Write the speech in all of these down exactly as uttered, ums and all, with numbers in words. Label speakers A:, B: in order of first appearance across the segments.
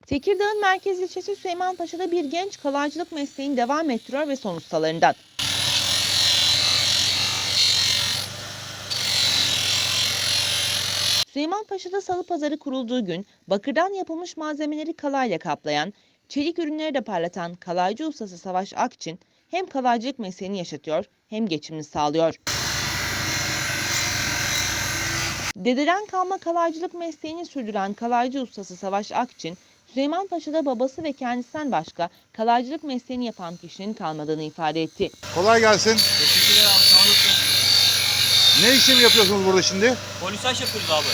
A: Tekirdağ'ın merkez ilçesi Süleymanpaşa'da bir genç kalaycılık mesleğini devam ettiriyor ve son ustalarından. Süleymanpaşa'da salı pazarı kurulduğu gün bakırdan yapılmış malzemeleri kalayla kaplayan, çelik ürünleri de parlatan kalaycı ustası Savaş Akçin hem kalaycılık mesleğini yaşatıyor hem geçimini sağlıyor. Dededen kalma kalaycılık mesleğini sürdüren kalaycı ustası Savaş Akçin, Süleymanpaşa'da babası ve kendisinden başka kalaycılık mesleğini yapan kişinin kalmadığını ifade etti.
B: Kolay gelsin.
C: Teşekkürler abi, sağ olasın.
B: Ne işlem yapıyorsunuz burada şimdi?
C: Polisaj yapıyoruz abi.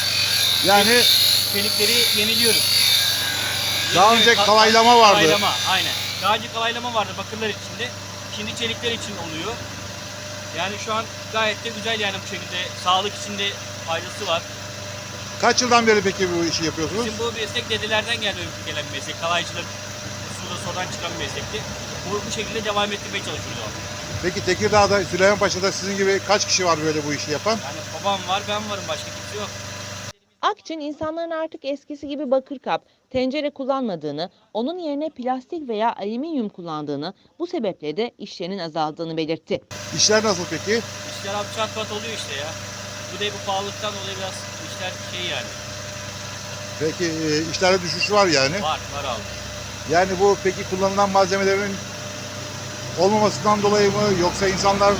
B: Yani
C: Çelikleri yeniliyoruz.
B: daha önce
C: Ka-
B: kalaylama vardı.
C: Kalaylama, aynen. Daha önce kalaylama vardı bakırlar içinde. Şimdi çelikler için oluyor. Yani şu an gayet de güzel, yani bu şekilde sağlık için de faydası var.
B: Kaç yıldan beri peki bu işi yapıyorsunuz?
C: Bizim bu meslek dedelerden gelme gelen bir meslek. Kalaycılık, suda sodan çıkan bir meslekti. Bu, bu şekilde devam ettirmeye çalışıyoruz abi.
B: Peki Tekirdağ'da, Süleymanpaşa'da sizin gibi kaç kişi var böyle bu işi yapan?
C: Yani babam var, ben varım, başka kimse yok.
A: Akçin insanların artık eskisi gibi bakır kap, tencere kullanmadığını, onun yerine plastik veya alüminyum kullandığını, bu sebeple de işlerinin azaldığını belirtti.
B: İşler nasıl peki?
C: İşler abi çat pat oluyor işte ya. Bu da bu pahalılıktan dolayı biraz işler şey yani.
B: Peki e, işlerde düşüş var yani.
C: Var, var abi.
B: Yani bu peki kullanılan malzemelerin olmamasından dolayı mı, yoksa insanlar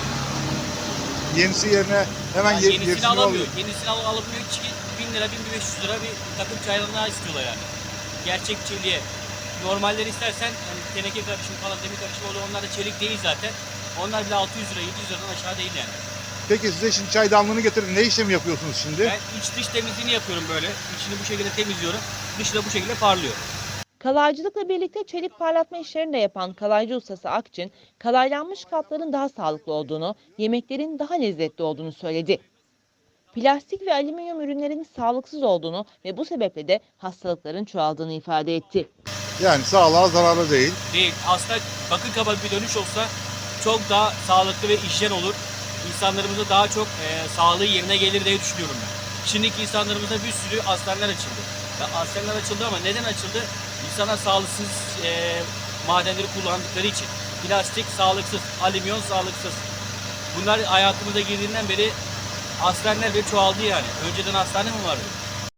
B: yenisi yerine hemen
C: Yani
B: ye-
C: yenisini
B: yenisini
C: alamıyor.
B: alıyor?
C: Yenisini al alamıyor ki bin lira, bin beş yüz lira bir takım çaydanlığa istiyorlar yani. Gerçek çeliğe. Normalleri istersen hani teneke karışımı falan, demir karışımı oluyor. Onlar da çelik değil zaten. Onlar bile altı yüz lira, yedi yüz liradan aşağı değil yani.
B: Peki size şimdi çaydanlığını getirin. Ne işlemi yapıyorsunuz şimdi?
C: Ben iç dış temizliğini yapıyorum böyle. İçini bu şekilde temizliyorum. Dışı da bu şekilde parlıyor.
A: Kalaycılıkla birlikte çelik parlatma işlerini de yapan kalaycı ustası Akçin, kalaylanmış kapların daha sağlıklı olduğunu, yemeklerin daha lezzetli olduğunu söyledi. Plastik ve alüminyum ürünlerin sağlıksız olduğunu ve bu sebeple de hastalıkların çoğaldığını ifade etti.
B: Yani sağlığa zararlı değil.
C: Değil. Aslında bakır kaba bir dönüş olsa çok daha sağlıklı ve hijyen olur. İnsanlarımıza daha çok e, sağlığı yerine gelir diye düşünüyorum ben. Şimdiki insanlarımıza bir sürü hastaneler açıldı. Ya, hastaneler açıldı ama neden açıldı? İnsanlar sağlıksız e, madenleri kullandıkları için. Plastik sağlıksız, alüminyum sağlıksız. Bunlar hayatımıza girdiğinden beri hastaneler bile çoğaldı yani. Önceden hastane mi vardı?